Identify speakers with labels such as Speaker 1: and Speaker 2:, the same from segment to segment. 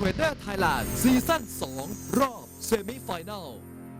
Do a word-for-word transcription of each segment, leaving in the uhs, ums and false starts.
Speaker 1: Trader Thailand ซีซั่นสองรอบเซมิไฟแนล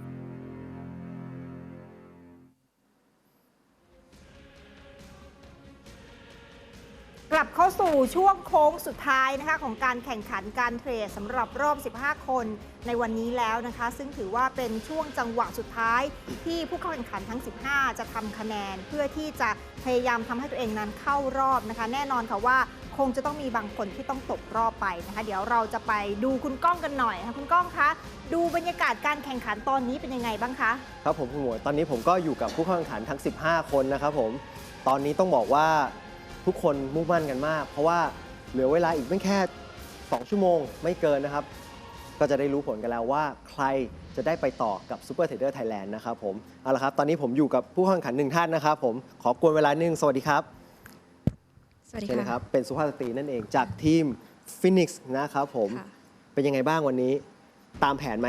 Speaker 2: กลับเข้าสู่ช่วงโค้งสุดท้ายนะคะของการแข่งขันการเทรดสำหรับรอบ สิบห้า คนในวันนี้แล้วนะคะซึ่งถือว่าเป็นช่วงจังหวะสุดท้ายที่ผู้เข้าแข่งขันทั้ง สิบห้า จะทำคะแนนเพื่อที่จะพยายามทำให้ตัวเองนั้นเข้ารอบนะคะแน่นอนค่ะว่าคงจะต้องมีบางคนที่ต้องตกรอบไปนะคะเดี๋ยวเราจะไปดูคุณก้องกันหน่อยค่ะคุณก้องคะดูบรรยากาศการแข่งขันตอนนี้เป็นยังไงบ้างคะ
Speaker 3: ครับผมคุณหมวยตอนนี้ผมก็อยู่กับผู้เข้าแข่งขันทั้ง สิบห้า คนนะครับผมตอนนี้ต้องบอกว่าทุกคนมุ่งมั่นกันมากเพราะว่าเหลือเวลาอีกไม่แค่สองชั่วโมงไม่เกินนะครับก็จะได้รู้ผลกันแล้วว่าใครจะได้ไปต่อกับ Super Trader Thailand นะครับผมเอาละครับตอนนี้ผมอยู่กับผู้เข้าแข่งขันหนึ่งท่านนะครับผมขอกวนเวลาหนึ่งสวัสดีครับ
Speaker 4: สวัสดี
Speaker 3: ค่ะ
Speaker 4: ครับ
Speaker 3: เป็นสุภาพสตรีนั่นเองจากทีม Phoenix นะครับผมเป็นยังไงบ้างวันนี้ตามแผนไหม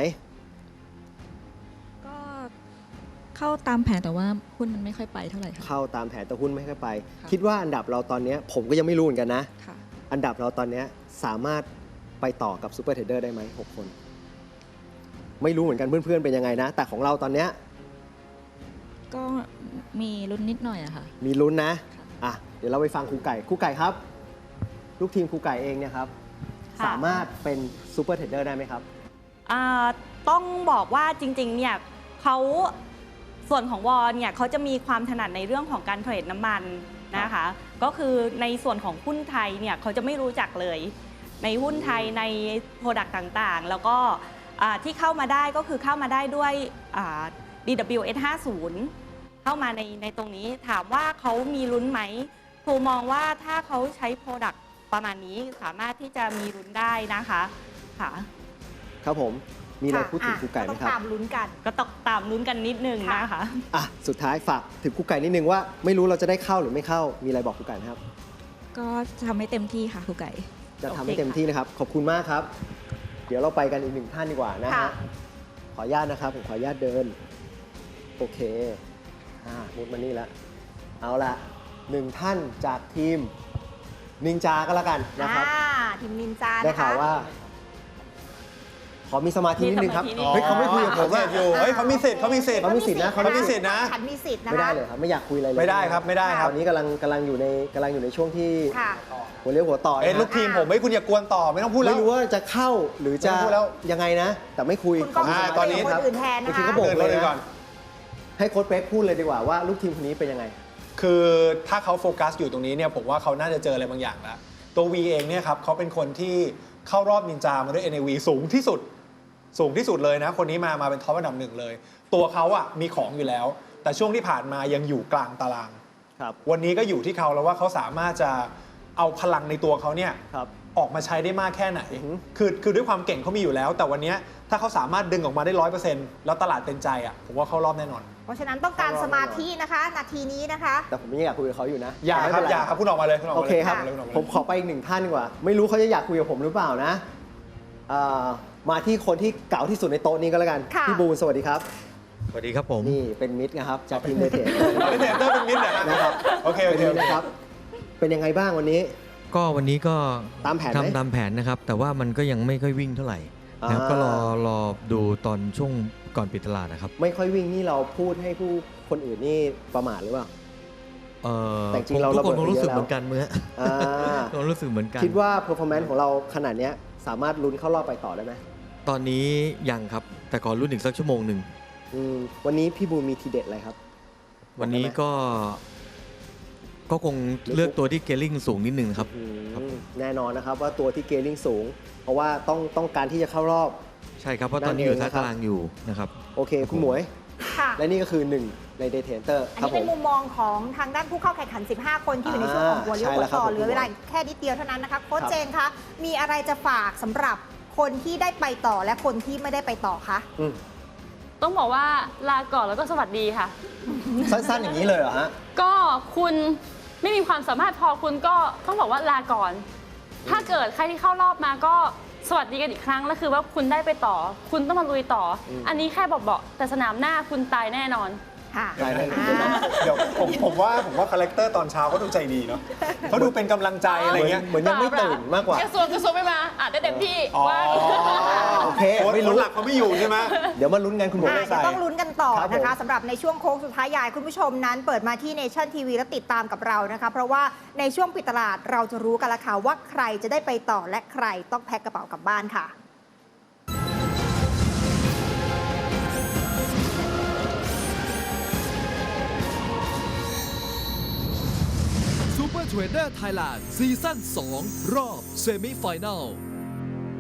Speaker 4: ก็เข้าตามแผนแต่ว่าหุ้นมันไม่ค่อยไปเท่าไหร่ค่ะ
Speaker 3: เข้าตามแผนแต่หุ้นไม่ค่อยไปคิดว่าอันดับเราตอนนี้ผมก็ยังไม่รู้เหมือนกันนะอันดับเราตอนนี้สามารถไปต่อกับ Super Trader ได้ไหมหกคนไม่รู้เหมือนกันเพื่อนๆเป็นยังไงนะแต่ของเราตอนนี้
Speaker 4: ก็มีลุ้นนิดหน่อยอะค่ะ
Speaker 3: มีลุ้นนะอ่ะเดี๋ยวเราไปฟังครูไก่ครูไก่ครับลูกทีมครูไก่เองเนี่ยครับสามารถเป็น Super Trader ได้ไหมครับ
Speaker 5: ต้องบอกว่าจริงๆเนี่ยเขาส่วนของวอลเนี่ยเขาจะมีความถนัดในเรื่องของการเทรดน้ำมันนะคะก็คือในส่วนของหุ้นไทยเนี่ยเขาจะไม่รู้จักเลยในหุ้นไทยในโปรดักต์ต่างๆแล้วก็ที่เข้ามาได้ก็คือเข้ามาได้ด้วย ดี ดับเบิลยู เอส ห้าสิบ เข้ามาในในตรงนี้ถามว่าเขามีลุ้นไหมครูมองว่าถ้าเขาใช้โปรดักต์ประมาณนี้สามารถที่จะมีลุ้นได้นะคะค่ะ
Speaker 3: ครับผมมีอะไรพูดถึงครูไก่ไหมครับ
Speaker 2: ก็ต้องตามลุ้นกัน
Speaker 5: ก็ต้องตามลุ้นกันนิดนึงนะคะ
Speaker 3: อ่ะสุดท้ายฝากถึงครูไก่นิดนึงว่าไม่รู้เราจะได้เข้าหรือไม่เข้ามีอะไรบอกครูไก่ครับ
Speaker 4: ก็ทำให้เต็มที่ค่ะครูไก่
Speaker 3: จะทำให้เต็มที่นะครับขอบคุณมากครับเดี๋ยวเราไปกันอีกหนึ่งท่านดีกว่านะฮะขออนุญาตนะครับผมขออนุญาตเดินโอเคอ่ามุดมานี่แล้วเอาละหนึ่งท่านจากทีมนินจาก็แล้วกันนะครับ
Speaker 2: ทีมนินจา
Speaker 3: ได้ข่าวว่าขอมีสมาธินิดนึงครับเฮ้ยเขาไม่คุยกับผม
Speaker 6: อยู่เฮ้ยเขามีสิทธิ์เขามีสิทธิ์
Speaker 3: เขามีสิทธิ์นะ
Speaker 6: เขามีสิทธิ์นะ
Speaker 2: ฉันมีสิทธิ์นะ
Speaker 3: ไม่ได้เลยครับไม่อยากคุยอะไรเลย
Speaker 6: ไม่ได้ครับไม่ได้ครับ
Speaker 3: ตอนนี้กำลังกำลังอยู่ในกำลังอยู่ในช่วงที่หัวเลี้ยวหัวต่อ
Speaker 6: เอ้ลูกทีมผมไม่คุณอย่ากวนต่อไม่ต้องพูดแล้ว
Speaker 3: ไม่รู้ว่าจะเข้าหรือจะยังไงนะแต่ไม่คุย
Speaker 2: ตอนนี้ครับ
Speaker 3: บางทีก็บอกเลยก่อนให้โค้ชเป๊กพูดเลยดีกว่าว่าลูกทีมคนนี้เป็นยังไง
Speaker 6: คือถ้าเขาโฟกัสอยู่ตรงนี้เนี่ยผมว่าเขาน่าจะเจออะไรบางอย่างแล้วตัว วี เองเนี่ยครับเขาเป็นคนที่เข้ารอบนินจามาด้วย เอ็น เอ วี สูงที่สุดสูงที่สุดเลยนะคนนี้มามาเป็นท็อปอันดับหนึ่งเลยตัวเขาอะมีของอยู่แล้วแต่ช่วงที่ผ่านมายังอยู่กลางตารางวันนี้ก็อยู่ที่เขาแล้วว่าเขาสามารถจะเอาพลังในตัวเขาเนี่ยออกมาใช้ได้มากแค่ไหนคือคือด้วยความเก่งเขามีอยู่แล้วแต่วันนี้ถ้าเขาสามารถดึงออกมาได้ร้อยเปอร์เซ็นต์แล้วตลาดเป็นใจอะผมว่าเข้ารอบแน่นอน
Speaker 2: เพราะฉะนั้นต้องการสมาธินะคะนาทีนี้นะคะ
Speaker 3: แต่ผมไม่อยากคุยกับเขาอยู่นะ
Speaker 6: อย่าครับอย่าครับคุณออกมาเลย
Speaker 3: โอเคครับผมขอไปอีกหนึ่งท่านดีกว่าไม่รู้เขาจะอยากคุยกับผมหรือเปล่านะมาที่คนที่เก่าที่สุดในโต๊ะนี้ก็แล้วกันพี่บูนสวัสดีครับ
Speaker 7: สวัสดีครับผม
Speaker 3: นี่เป็นมิตรนะครับจากทีมเดเทน
Speaker 6: เดเทนเตอร์เป็นมิตร
Speaker 3: นะครับ
Speaker 6: โอเคโอเค
Speaker 3: นะครับเป็นยังไงบ้างวันนี้
Speaker 7: ก็วันนี้ก็
Speaker 3: ตามแผน
Speaker 7: ทำตามแผนนะครับแต่ว่ามันก็ยังไม่ค่อยวิ่งเท่าไหร่นะครับก็รอรอดูตอนช่วงก่อนปิดตลาดนะครับ
Speaker 3: ไม่ค่อยวิ่งนี่เราพูดให้ผู้คนอื่นนี่ประมาทหรือเปล่า
Speaker 7: เออแต่จริงเราทุกคนรู้สึกเหมือนกันเมื่อเรารู้สึกเหมือนกัน
Speaker 3: คิดว่า performance ของเราขนาดนี้สามารถลุ้นเข้ารอบไปต่อได้ไหม
Speaker 7: ตอนนี้ยังครับแต่ก่อนลุ้นอีกสักชั่วโมงหนึ่ง
Speaker 3: วันนี้พี่บูมีทีเด็ดอะไรครับ
Speaker 7: วันนี้ก็ก็คงเลือกตัวที่เกลิ่งสูงนิดนึงครับ
Speaker 3: แน่นอนนะครับว่าตัวที่เกลิ่งสูงเพราะว่าต้องต้องการที่จะเข้ารอบ
Speaker 7: ใช่ครับเพราะตอนนี้อยู่ท้ายตารางอยู่นะครับ
Speaker 3: โอเคคุณหมวยและนี่ก็คือหนึ่งในเดเทนเตอร์
Speaker 2: อันนี้เป็นมุมมองของทางด้านผู้เข้าแข่งขันสิบห้าคนที่อยู่ในช่วงของหัวเลี้ยวหัวต่อเหลือเวลาแค่นิดเดียวเท่านั้นนะคะโค้ชเจนคะมีอะไรจะฝากสำหรับคนที่ได้ไปต่อและคนที่ไม่ได้ไปต่อคะ
Speaker 8: ต้องบอกว่าลาก่อนแล้วก็สวัสดีค่ะ
Speaker 3: สั้นๆอย่างนี้เลยเหรอฮะ
Speaker 8: ก็คุณไม่มีความสามารถพอคุณก็ต้องบอกว่าลาก่อนถ้าเกิดใครที่เข้ารอบมาก็สวัสดีกันอีกครั้งแล้วคือว่าคุณได้ไปต่อคุณต้องมาลุยต่ออันนี้แค่บอกๆแต่สนามหน้าคุณตายแน่นอน
Speaker 2: ค่ะ
Speaker 6: เดี๋ยวนะ
Speaker 2: อ่า
Speaker 6: เดี๋ยวผมผมว่าผมว่าคาแรคเตอร์ตอนเช้าเขาดูใจดีเนาะเขาดูเป็นกำลังใจอะไรเงี้ย
Speaker 3: เหมือนยังไม่ตื่นมากกว่า
Speaker 8: กระทรวงกระทรวงไม่มาอ่านได้เต็มที่
Speaker 6: อ๋อ
Speaker 8: ว่าง
Speaker 3: โอเค
Speaker 6: โค้ด
Speaker 3: ไม่
Speaker 6: ค
Speaker 3: รู้
Speaker 6: นหลักเขาไม่อยู่ใช่ไหม
Speaker 3: เดี๋ยวมาลุ้นกันคุณหมอ
Speaker 2: อ่า
Speaker 3: ไม่
Speaker 2: เดี๋ย
Speaker 3: ใส่
Speaker 2: วต้องลุ้นกันต่อ
Speaker 3: ครับผม
Speaker 2: นะคะสำหรับในช่วงโค้งสุดท้ายอยากให้คุณผู้ชมนั้นเปิดมาที่ Nation ที วี และติดตามกับเรานะคะ เพราะว่าในช่วงปิดตลาดเราจะรู้กันแล้วค่ะว่าใครจะได้ไปต่อและใครต้องแพ็คกระเป๋ากลับบ้านค่ะ
Speaker 1: ซูเปอร์เทรดเดอร์ไทยแลนด์ซีซั่นสองรอบเซมิไฟแนล